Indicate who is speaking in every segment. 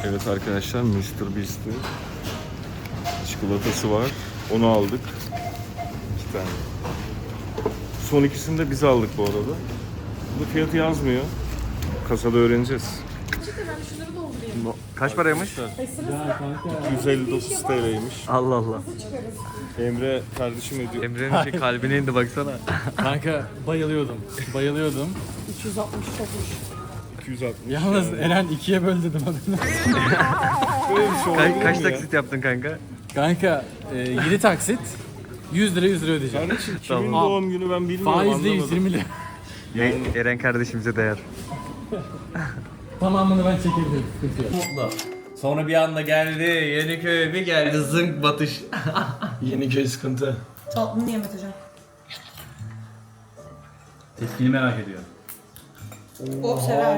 Speaker 1: Evet arkadaşlar, Mr. Beast'in çikolatası var. Onu aldık. 2 tane. Son ikisini de biz aldık bu arada. Burada fiyatı yazmıyor. Kasada öğreneceğiz.
Speaker 2: Ben şunları doldurayım.
Speaker 1: Kaç paraymış? 259 TL'ymiş.
Speaker 3: Allah Allah.
Speaker 1: Emre kardeşim ödüyor.
Speaker 3: Emre'nin kalbine indi baksana.
Speaker 4: Kanka bayılıyordum.
Speaker 2: 260 çokmuş.
Speaker 1: 260.
Speaker 4: Yalnız Eren ikiye böl dedim adını.
Speaker 1: Böyle bir şey olabilir
Speaker 3: Kaç
Speaker 1: mi ya?
Speaker 3: taksit yaptın kanka?
Speaker 4: Kanka 7 taksit 100 lira ödeyeceğim.
Speaker 1: Kardeşim kimin
Speaker 4: Tamam.
Speaker 1: doğum günü ben bilmiyorum,
Speaker 4: Faizle
Speaker 1: anlamadım.
Speaker 4: 120 lira.
Speaker 3: Eren kardeşimize değer.
Speaker 4: Tamamını ben çekebilirim. Sıkıntı yok.
Speaker 3: Mutlu. Sonra bir anda geldi Yeniköy, bir geldi zınk batış.
Speaker 5: Yeniköy sıkıntı.
Speaker 2: Tatlını niye Mete Can?
Speaker 4: Tepkini merak ediyorum.
Speaker 2: O sever.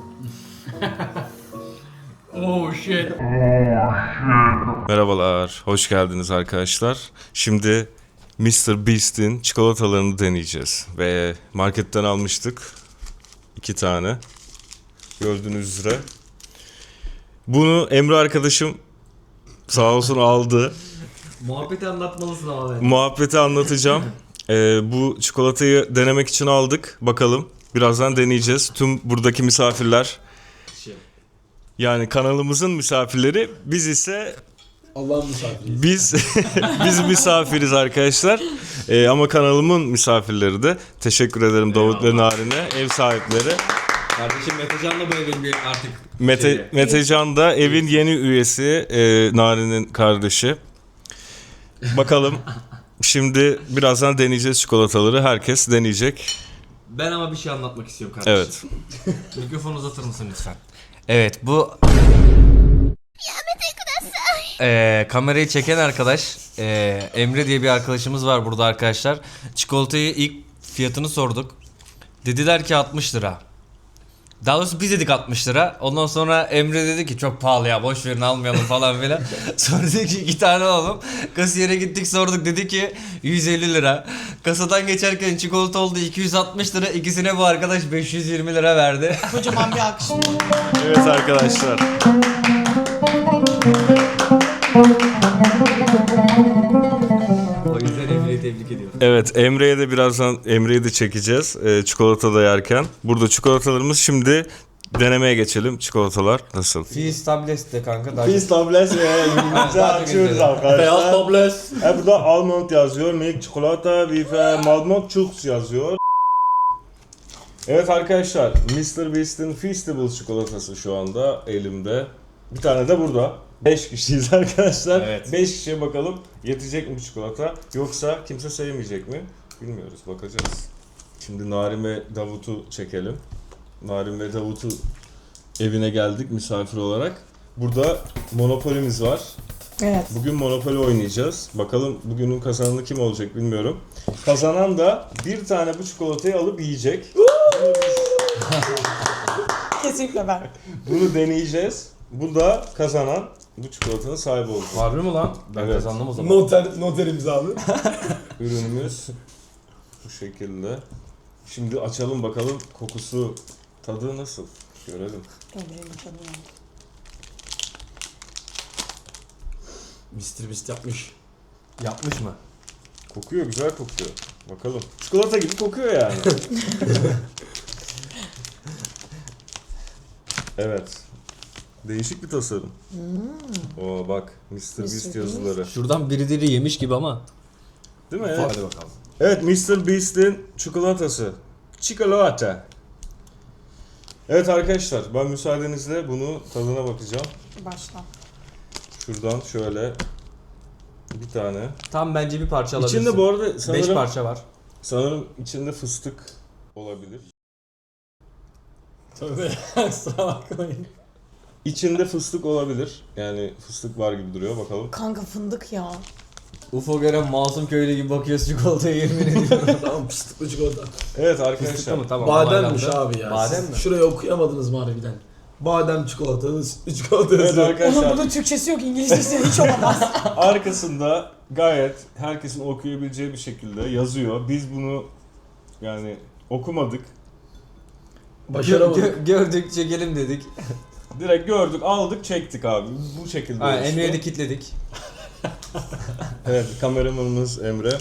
Speaker 4: Oh shit.
Speaker 1: Merhabalar, hoş geldiniz arkadaşlar. Şimdi Mr. Beast'in çikolatalarını deneyeceğiz. Ve marketten almıştık 2 tane. Gördüğünüz üzere. Bunu Emre arkadaşım sağ olsun aldı.
Speaker 3: Muhabbeti anlatmalısın ama ben.
Speaker 1: Muhabbeti anlatacağım. Bu çikolatayı denemek için aldık. Bakalım. Birazdan deneyeceğiz. Tüm buradaki misafirler, yani kanalımızın misafirleri, biz ise
Speaker 5: Allah'ın misafiriyiz.
Speaker 1: biz misafiriz arkadaşlar. Ama kanalımın misafirleri de. Teşekkür ederim Davut ve Narin'e, ev sahipleri.
Speaker 3: Kardeşim Metecan'la bu evin bir artık
Speaker 1: Metecan da evin yeni üyesi, Narin'in kardeşi. Bakalım. Şimdi birazdan deneyeceğiz çikolataları. Herkes deneyecek.
Speaker 3: Ben ama bir şey anlatmak istiyorum kardeşim.
Speaker 1: Evet.
Speaker 3: Mikrofonu uzatır mısın lütfen? Evet, bu kamerayı çeken arkadaş Emre diye bir arkadaşımız var burada arkadaşlar. Çikolatayı ilk fiyatını sorduk. Dediler ki 60 lira. Daha doğrusu biz dedik 60 lira. Ondan sonra Emre dedi ki çok pahalı ya, boş verin almayalım falan filan. Sonra dedik ki 2 tane alalım. Kasiyere gittik, sorduk, dedi ki 150 lira. Kasadan geçerken çikolata oldu 260 lira. İkisine bu arkadaş 520 lira verdi.
Speaker 2: Kocaman bir alkış.
Speaker 1: Evet arkadaşlar.
Speaker 3: O yüzden Emre'yi tebrik ediyorum.
Speaker 1: Evet, Emre'ye de birazdan Emre'yi de çekeceğiz. Çikolata da yerken. Burada çikolatalarımız, şimdi denemeye geçelim. Çikolatalar nasıl?
Speaker 3: Fizz tablet de kanka.
Speaker 6: Biz tablet ve yumurta açıyoruz arkadaşlar.
Speaker 5: Beyaz tablet.
Speaker 6: Burada almond yazıyor, milk çikolata ve Malmont Chux yazıyor. Evet arkadaşlar, Mr. Beast'in Feastables çikolatası şu anda elimde. Bir tane de burada. 5 kişiyiz arkadaşlar.
Speaker 1: Evet.
Speaker 6: 5 kişiye bakalım yetecek mi bu çikolata, yoksa kimse sevmeyecek mi? Bilmiyoruz, bakacağız. Şimdi Narin ve Davut'u çekelim. Narin ve Davut'u evine geldik misafir olarak. Burada Monopoly'miz var.
Speaker 2: Evet.
Speaker 6: Bugün Monopoly oynayacağız. Bakalım bugünün kazananı kim olacak bilmiyorum. Kazanan da bir tane bu çikolatayı alıp yiyecek.
Speaker 2: Kesinlikle ben.
Speaker 6: Bunu deneyeceğiz. Bu da kazanan bu çikolatanın sahibi olacak.
Speaker 3: Harbi mi lan? Ben
Speaker 6: Evet.
Speaker 3: kazandım o zaman.
Speaker 5: Noter imzalı.
Speaker 6: Ürünümüz bu şekilde. Şimdi açalım bakalım, kokusu, tadı nasıl? Görelim.
Speaker 2: Emre'nin canı.
Speaker 5: Mr. Beast yapmış.
Speaker 3: Yapmış mı?
Speaker 6: Kokuyor, güzel kokuyor. Bakalım. Çikolata gibi kokuyor yani. Evet. Değişik bir tasarım. Oo bak, Mr. Beast yazıları.
Speaker 3: Şuradan birileri yemiş gibi ama.
Speaker 6: Değil mi?
Speaker 3: Hadi bakalım.
Speaker 6: Evet, Mr. Beast'in çikolatası. Çikolata. Evet arkadaşlar, ben müsaadenizle bunu tadına bakacağım.
Speaker 2: Başla.
Speaker 6: Şuradan şöyle bir tane.
Speaker 3: Tam bence bir parça alabilirsin.
Speaker 6: İçinde bu arada
Speaker 3: 5
Speaker 6: sanırım,
Speaker 3: parça var.
Speaker 6: sanırım içinde fıstık olabilir.
Speaker 5: Tövbe kusura bakmayın.
Speaker 6: İçinde fıstık olabilir. Yani fıstık var gibi duruyor, bakalım.
Speaker 2: Kanka fındık ya.
Speaker 3: UFO gören masum köylü gibi bakıyoruz çikolataya, yemin ediyorum.
Speaker 5: Tamam fıstıklı çikolata.
Speaker 6: Evet
Speaker 3: Fıstıklı
Speaker 6: arkadaşlar.
Speaker 3: mı? Tamam.
Speaker 5: Bademmiş
Speaker 3: onaylandı.
Speaker 5: abi ya.
Speaker 3: Badem
Speaker 5: Siz
Speaker 3: mi?
Speaker 5: Şurayı okuyamadınız mı harbiden? Badem çikolata, sütlü çikolata
Speaker 6: Evet
Speaker 5: yazıyor.
Speaker 2: Onun
Speaker 6: arkadaşlar.
Speaker 2: bunun Türkçesi yok, İngilizcesi hiç olamaz.
Speaker 6: Arkasında gayet herkesin okuyabileceği bir şekilde yazıyor. Biz bunu yani okumadık.
Speaker 5: Başaramadık.
Speaker 3: Gördük, çekelim dedik.
Speaker 6: Direkt gördük, aldık, çektik abi. Bu şekilde
Speaker 3: Ha,
Speaker 6: oluştu.
Speaker 3: Emre'yi de kilitledik.
Speaker 6: Evet, kameramanımız Emre.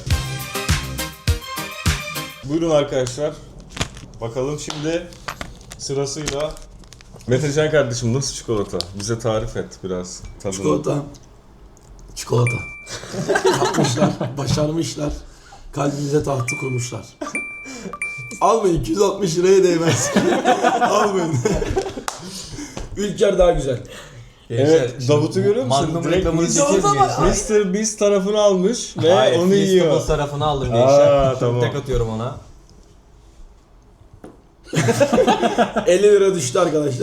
Speaker 6: Buyurun arkadaşlar. Bakalım şimdi sırasıyla Metecan kardeşim nasıl çikolata? Bize tarif et biraz tadını.
Speaker 5: Çikolata. Çikolata. Yapmışlar, başarmışlar. Kalbimize tahtı kurmuşlar. Almayın, 260 liraya değmez. Almayın. Ülker daha güzel.
Speaker 6: Evet, Davut'u görüyor musun?
Speaker 3: Magnum
Speaker 6: Direkt
Speaker 3: reklamını
Speaker 6: Mr.
Speaker 3: çekeyim
Speaker 2: Davut'a bak.
Speaker 3: gençler.
Speaker 6: Mr. Beast tarafını almış ve
Speaker 3: Hayır,
Speaker 6: onu
Speaker 3: Feastables
Speaker 6: yiyor.
Speaker 3: tarafını aldım gençler.
Speaker 6: Tamam.
Speaker 3: Tek atıyorum ona.
Speaker 5: 50 lira düştü arkadaşlar.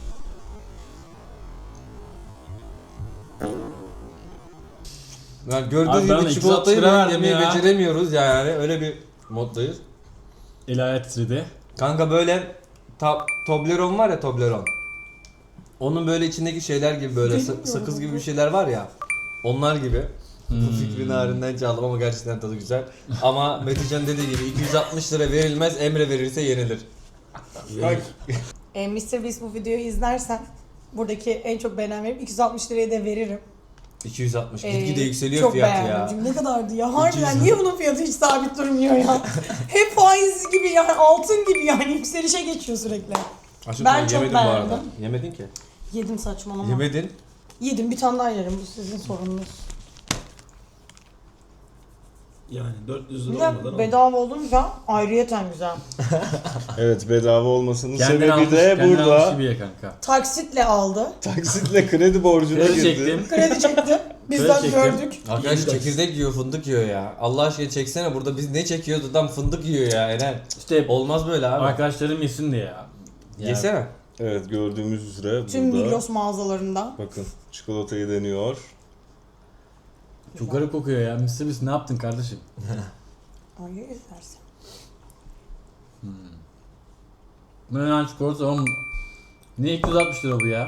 Speaker 3: Yani gördüğünüz
Speaker 4: Abi ben de
Speaker 3: gibi
Speaker 4: 260
Speaker 3: çikolatayı
Speaker 4: lira verdim
Speaker 3: yemeyi
Speaker 4: ya.
Speaker 3: beceremiyoruz yani öyle bir moddayız.
Speaker 4: El ayağı titredi.
Speaker 3: Kanka böyle Toblerone var ya, Toblerone. Onun böyle içindeki şeyler gibi böyle sakız gibi bir şeyler var ya. Onlar gibi. Bu fikri narinden çaldım ama gerçekten tadı güzel. Ama Metecan dediği gibi 260 lira verilmez, Emre verirse yenilir.
Speaker 2: Mr. Beast bu videoyu izlersen buradaki en çok beğenen verip 260 liraya da veririm.
Speaker 3: 260 gitgide yükseliyor
Speaker 2: çok
Speaker 3: fiyat
Speaker 2: beğendim.
Speaker 3: ya.
Speaker 2: Çünkü ne kadardı ya? Harbiden niye bunun fiyatı hiç sabit durmuyor ya? Hep faiz gibi yani altın gibi yani yükselişe geçiyor sürekli.
Speaker 3: Aşkım
Speaker 2: Ben
Speaker 3: sen
Speaker 2: çok
Speaker 3: yemedin bu arada.
Speaker 2: beğendim.
Speaker 3: Yemedin ki.
Speaker 2: Yedim saçmalama.
Speaker 3: Yemedin.
Speaker 2: Yedim bir tane daha yerim bu sizin sorununuz.
Speaker 5: Yani 400
Speaker 2: Bir
Speaker 5: lira
Speaker 2: de
Speaker 5: olmadan
Speaker 2: bedava olunca ayrıyeten güzel.
Speaker 6: Evet, bedava olmasının
Speaker 4: Kendin
Speaker 6: sebebi
Speaker 4: almış,
Speaker 6: de
Speaker 4: kendin almış
Speaker 6: burada
Speaker 4: gibi ye kanka.
Speaker 2: Taksitle aldı.
Speaker 6: taksitle kredi borcuna
Speaker 4: Kredi
Speaker 6: girdi.
Speaker 4: çektim.
Speaker 2: Kredi çekti. Bizden
Speaker 4: çektim.
Speaker 2: gördük.
Speaker 3: Arkadaş
Speaker 5: Yeni
Speaker 3: çekirdek yiyor, fındık yiyor ya. Allah aşkına çeksene, burada biz ne çekiyoruz, adam fındık yiyor ya Eren.
Speaker 4: İşte
Speaker 3: Olmaz böyle abi.
Speaker 4: arkadaşlarım yesin diye ya.
Speaker 3: Yesene.
Speaker 6: Evet, gördüğümüz üzere
Speaker 2: Tüm
Speaker 6: burada.
Speaker 2: Migros mağazalarında.
Speaker 6: Bakın, çikolatayı deniyor.
Speaker 4: Çok garip kokuyor ya. Mr. Beast ne yaptın kardeşim?
Speaker 2: Ay izlersin.
Speaker 4: Ben çikolata oğlum. Ne 260 lira bu ya?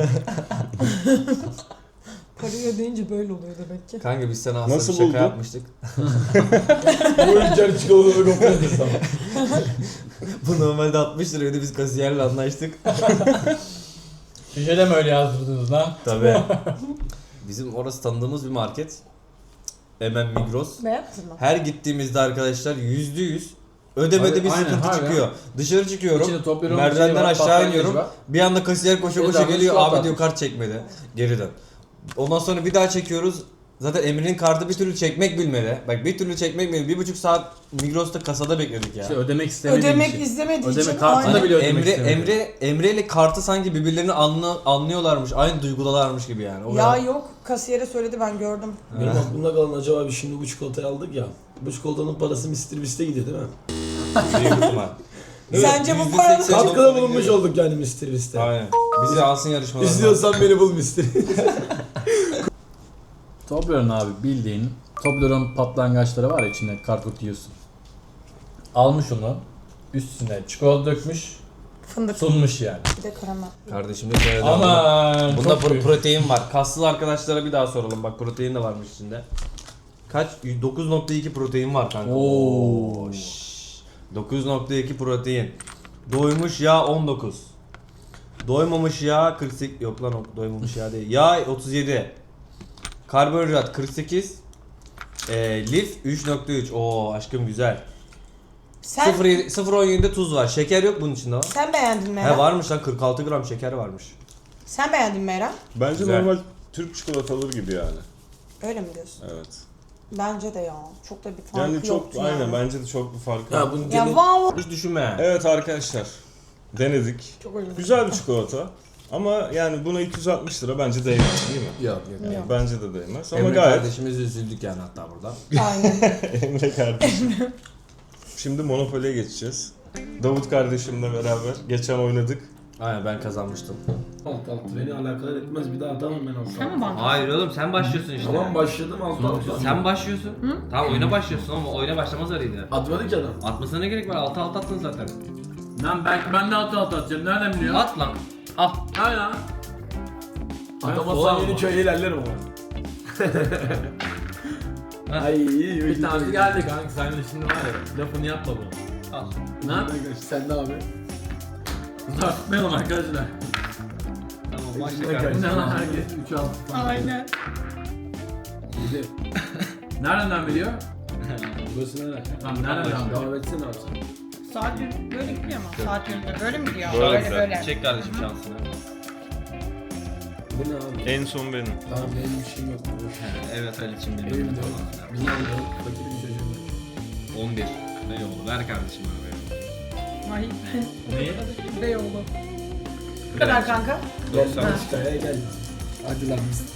Speaker 2: Parayı ödeyince böyle oluyor demek ki.
Speaker 3: Kanka biz sana aslında
Speaker 6: Nasıl
Speaker 3: bir şaka
Speaker 6: buldun?
Speaker 3: yapmıştık.
Speaker 5: Bu Ülker çikolataları kopyalarız ama.
Speaker 3: Bu normalde 60 liraydı, biz kasiyerle anlaştık.
Speaker 4: Şişede mi öyle yazdırdınız lan?
Speaker 3: Tabii. Bizim orası tanıdığımız bir market. Hemen Migros.
Speaker 2: Beğendin mi?
Speaker 3: Her gittiğimizde arkadaşlar %100 ödemede
Speaker 4: Abi,
Speaker 3: bir
Speaker 4: aynen,
Speaker 3: sıkıntı
Speaker 4: harbiden.
Speaker 3: çıkıyor. Dışarı çıkıyorum.
Speaker 4: İçinde Toblerone
Speaker 3: Merdivenden
Speaker 4: şey var,
Speaker 3: aşağı
Speaker 4: patlayıcı
Speaker 3: iniyorum.
Speaker 4: var.
Speaker 3: Bir anda kasiyer koşa koşa
Speaker 4: Bedava
Speaker 3: geliyor.
Speaker 4: çikolata
Speaker 3: Abi diyor,
Speaker 4: atmış.
Speaker 3: kart çekmedi. Geri dön. Ondan sonra bir daha çekiyoruz. Zaten Emre'nin kartı bir türlü çekmek bilmedi. Bak bir türlü çekmek bilmedi. 1,5 saat Migros'ta kasada bekledik ya.
Speaker 4: İşte ödemek istemediğim
Speaker 2: Ödemek
Speaker 4: için.
Speaker 2: istemediği
Speaker 4: Ödeme
Speaker 2: için
Speaker 4: kartını da
Speaker 2: aynen.
Speaker 4: bile ödemek istemiyorum.
Speaker 3: Emre ile kartı sanki birbirlerini anlıyorlarmış. Aynı duygudalarmış gibi yani. O
Speaker 2: Ya
Speaker 3: kadar.
Speaker 2: yok kasiyere söyledi ben gördüm.
Speaker 5: Benim aklımda kalan acaba biz şimdi bu çikolatayı aldık ya. Bu çikolatanın parası Mr. Beast'e gidiyor değil mi?
Speaker 3: Büyük ihtimal.
Speaker 2: Sence bu paranın
Speaker 3: %80
Speaker 5: Katkıda bulunmuş olduk yani Mr. Beast'e.
Speaker 3: Aynen. Bizi alsın yarışmalarına.
Speaker 5: İstiyorsan beni bul Mr.
Speaker 4: Toblerone abi bildiğin Toblerone patlangaçları var ya, içinde karput yiyorsun. Almış onu, üstüne çikolata dökmüş,
Speaker 2: fındık
Speaker 4: sunmuş yani.
Speaker 2: bir de karamel.
Speaker 3: Kardeşim de söyledi.
Speaker 4: Aman
Speaker 3: Bunda
Speaker 4: çok büyük.
Speaker 3: protein var. Kaslı arkadaşlara bir daha soralım. Bak protein de varmış içinde. Kaç? 9.2 protein var kanka.
Speaker 4: Oo.
Speaker 3: Şşş. 9.2 protein. Doymuş yağ 19. Doymamış yağ 48. Yok lan, doymamış yağ değil. Yağ 37. Karbonhidrat 48. Lif 3.3. Oo aşkım güzel.
Speaker 2: Sen
Speaker 3: 0.17'de tuz var. Şeker yok bunun içinde.
Speaker 2: sen beğendin mi
Speaker 3: He
Speaker 2: Eren?
Speaker 3: varmış lan, 46 gram şeker varmış.
Speaker 2: Sen beğendin mi Eren?
Speaker 6: Bence
Speaker 3: Güzel.
Speaker 6: normal Türk çikolataları gibi yani.
Speaker 2: Öyle mi diyorsun?
Speaker 6: Evet.
Speaker 2: Bence de ya. Çok da bir farkı
Speaker 6: Yani çok
Speaker 2: yoktu
Speaker 6: aynen,
Speaker 2: yani.
Speaker 6: bence de çok bir farkı
Speaker 5: Ya
Speaker 6: yok.
Speaker 5: bunun
Speaker 2: Ya
Speaker 5: gene...
Speaker 2: vav.
Speaker 3: Hiç düşünme.
Speaker 6: Evet arkadaşlar, denedik.
Speaker 2: Çok öyle.
Speaker 6: Güzel bir çikolata. Ama yani buna 260 lira bence değmez değil mi?
Speaker 3: Yok yok.
Speaker 2: Yok.
Speaker 6: Bence de değmez. Ama
Speaker 3: Emre
Speaker 6: gayet
Speaker 3: kardeşimiz üzüldük yani hatta burada.
Speaker 2: Aynen.
Speaker 6: Emre kardeşim. Şimdi Monopoly'ye geçeceğiz. Davut kardeşimle beraber geçen oynadık.
Speaker 3: Aynen, ben kazanmıştım.
Speaker 5: Alt alt beni alakadar etmez, bir daha atamam ben alt
Speaker 2: Sen mi bana?
Speaker 3: Hayır oğlum, sen başlıyorsun işte.
Speaker 5: Tamam başladım alt alt.
Speaker 3: Sen başlıyorsun. Tamam, oyuna başlıyorsun ama oyuna başlamaz araydı.
Speaker 5: Atmadı ki adam.
Speaker 3: Atmasına ne gerek var? 6 attın zaten.
Speaker 4: Lan belki ben de altı atacağım, nereden biliyorsun?
Speaker 3: At lan. Al.
Speaker 4: Aynen.
Speaker 5: Atamazsan yeni köye ilerlerim ama. Ay
Speaker 4: Bir tanesi geldi kanka, sen de şimdi var ya, lafını yapma bunu.
Speaker 3: Al.
Speaker 4: Ne?
Speaker 5: Sen de abi.
Speaker 4: Tartmayalım arkadaşlar. Herkes 3 al.
Speaker 2: Aynen.
Speaker 4: Nereden biliyor?
Speaker 5: Burası nerede?
Speaker 4: Tamam nereden biliyor?
Speaker 5: Devam etsene abi sen.
Speaker 2: Saat böyle gitmiyor mu? Saat yönünde böyle mi gidiyor?
Speaker 1: Böyle.
Speaker 2: Böyle.
Speaker 3: Çek kardeşim şansını.
Speaker 5: Bu ne abi?
Speaker 1: En son benim.
Speaker 5: Tamam benim bir şeyim yok.
Speaker 3: Evet Ali'cim benim.
Speaker 5: Evimde yok. Bilmem ne yok. Fakir bir çocuğum.
Speaker 3: 11. Beyoğlu. Ver kardeşim abi.
Speaker 2: Ay.
Speaker 4: Neyi?
Speaker 2: Beyoğlu. Bu kadar kanka.
Speaker 5: Gel Belçika'ya gel. Hadi lan biz.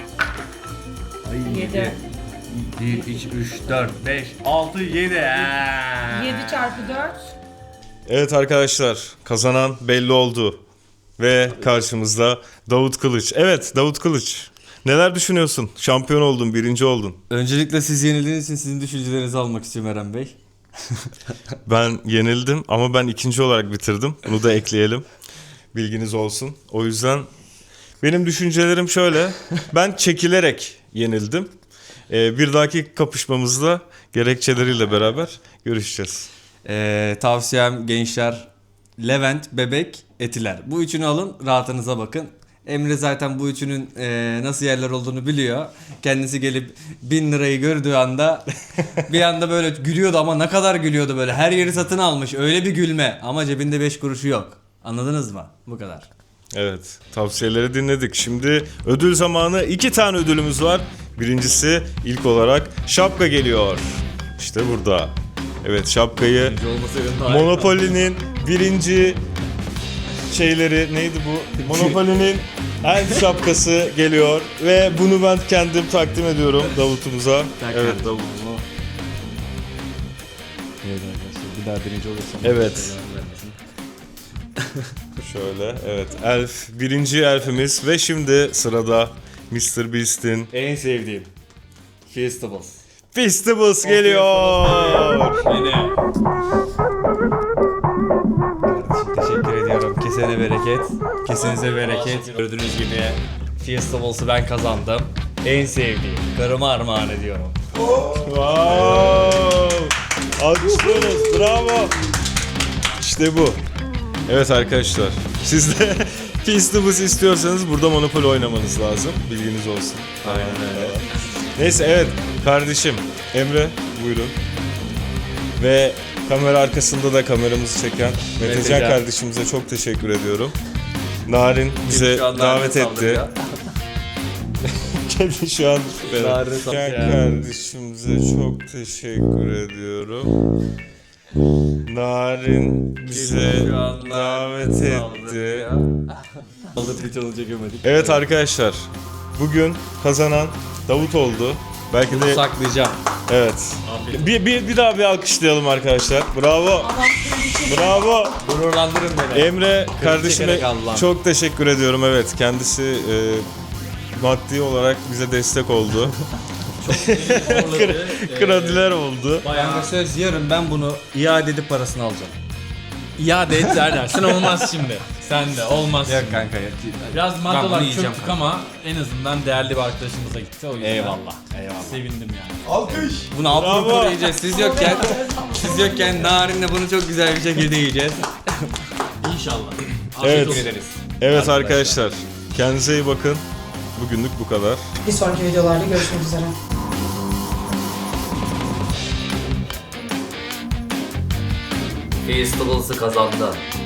Speaker 2: 7.
Speaker 3: 1, 2, 3, 4, 5, 6, 7.
Speaker 2: 7 çarpı 4.
Speaker 1: Evet arkadaşlar, kazanan belli oldu. Ve karşımızda Davut Kılıç. Evet, Davut Kılıç. Neler düşünüyorsun? Şampiyon oldun, birinci oldun.
Speaker 3: Öncelikle siz yenildiğiniz için sizin düşüncelerinizi almak istiyorum Eren Bey.
Speaker 1: Ben yenildim ama ben ikinci olarak bitirdim. Bunu da ekleyelim. Bilginiz olsun. O yüzden benim düşüncelerim şöyle. Ben çekilerek yenildim. Bir dahaki kapışmamızda gerekçeleriyle beraber görüşeceğiz.
Speaker 3: Tavsiyem gençler, Levent, Bebek, Etiler. Bu üçünü alın, rahatınıza bakın. Emre zaten bu üçünün nasıl yerler olduğunu biliyor. Kendisi gelip 1000 lirayı gördüğü anda bir anda böyle gülüyordu ama ne kadar gülüyordu böyle. Her yeri satın almış. Öyle bir gülme ama cebinde 5 kuruşu yok. Anladınız mı? Bu kadar.
Speaker 1: Evet, tavsiyeleri dinledik. Şimdi ödül zamanı. 2 tane ödülümüz var. Birincisi ilk olarak şapka geliyor. İşte burada. Evet, şapkayı Monopoly'nin birinci şeyleri neydi bu? Monopoly'nin en şapkası geliyor ve bunu ben kendim takdim ediyorum Davut'umuza. Evet Davut.
Speaker 3: Evet arkadaşlar bir daha birinci olursam.
Speaker 1: Evet. Şöyle evet elf birinci elfimiz ve şimdi sırada Mr. Beast'in
Speaker 3: En sevdiğim Festivals.
Speaker 1: Festivals geliyor.
Speaker 3: Kardeşim teşekkür ediyorum. Kesene bereket. Kesenize bereket. Gördüğünüz gibi Festivals'ı ben kazandım. En sevdiğim. Karıma armağan ediyorum.
Speaker 1: Wow. Alkışlıyoruz. Bravo. İşte bu. Evet arkadaşlar. Siz de Festivals istiyorsanız burada Monopoly oynamanız lazım. Bilginiz olsun.
Speaker 3: Aynen öyle.
Speaker 1: Neyse evet kardeşim Emre buyurun. Ve kamera arkasında da kameramızı çeken Metecan
Speaker 3: Metecan.
Speaker 1: kardeşimize çok teşekkür ediyorum. Narin bize
Speaker 3: Şu an
Speaker 1: davet
Speaker 3: Narin'e
Speaker 1: etti.
Speaker 3: saldırıyor.
Speaker 1: Kendi şu an
Speaker 3: Narin'e
Speaker 1: Metecan
Speaker 3: saldırıyor.
Speaker 1: kardeşimize çok teşekkür ediyorum. Narin bize
Speaker 3: Şu an
Speaker 1: davet
Speaker 3: Narin'e
Speaker 1: etti.
Speaker 3: saldırıyor. Aldı bir challenge çekemedik.
Speaker 1: Evet arkadaşlar bugün kazanan Davut oldu. Belki
Speaker 3: Bunu
Speaker 1: de
Speaker 3: saklayacağım.
Speaker 1: evet. Bir daha bir alkışlayalım arkadaşlar. Bravo. Bravo.
Speaker 3: Gururlandırın beni.
Speaker 1: Emre kardeşime
Speaker 3: çekerek Allah'ım.
Speaker 1: çok teşekkür ediyorum. Evet kendisi maddi olarak bize destek oldu. Krediler oldu.
Speaker 3: Kanka söz yarın ben bunu iade edip parasını alacağım.
Speaker 4: İade et dersen olmaz şimdi. Sen de olmaz.
Speaker 3: Yok kanka ya.
Speaker 4: Biraz
Speaker 3: Ben
Speaker 4: madde
Speaker 3: bunu
Speaker 4: olarak
Speaker 3: yiyeceğim
Speaker 4: çöktük
Speaker 3: kanka.
Speaker 4: ama en azından değerli bir arkadaşımıza gitti. O yüzden
Speaker 3: Eyvallah. Eyvallah.
Speaker 4: sevindim yani.
Speaker 3: Bunu altını
Speaker 1: Bravo.
Speaker 3: koruyacağız. Siz yokken Narin'le bunu çok güzel bir şekilde yiyeceğiz.
Speaker 4: İnşallah.
Speaker 1: Evet.
Speaker 4: Afiyet olsun.
Speaker 1: Evet arkadaşlar. Kendinize iyi bakın. Bugünlük bu kadar.
Speaker 2: Bir sonraki videolarda görüşmek üzere.
Speaker 3: Festivals'ı kazandı.